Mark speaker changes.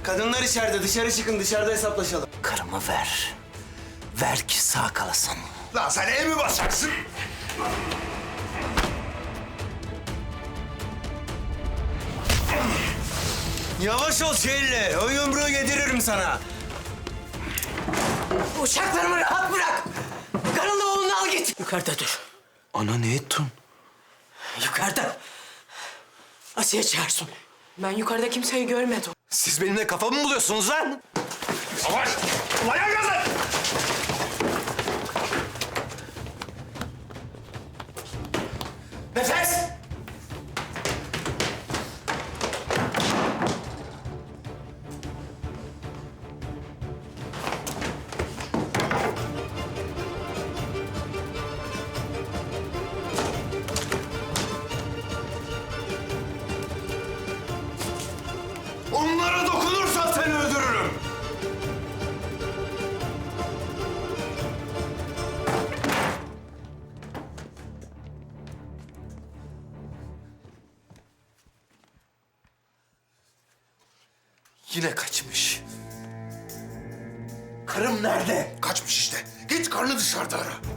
Speaker 1: Kadınlar içeride, dışarı çıkın, dışarıda hesaplaşalım.
Speaker 2: Karımı ver. Ver ki sağ kalasın.
Speaker 3: Lan sen ev mi basacaksın?
Speaker 1: Yavaş ol Şehirli, o yumruğu yediririm sana.
Speaker 2: Uşaklarımı rahat bırak. Karınla oğlunu al git. Yukarıda dur.
Speaker 1: Ana ne ettin?
Speaker 2: Yukarıda. Asiye çağırsın.
Speaker 4: Ben yukarıda kimseyi görmedim.
Speaker 1: Siz benimle kafa mı buluyorsunuz lan?
Speaker 3: Savaş! Ulan yan gazı!
Speaker 1: Nefes!
Speaker 3: Onlara dokunursan seni öldürürüm.
Speaker 1: Yine kaçmış. Karım nerede?
Speaker 3: Kaçmış işte. Git karnı dışarıda ara.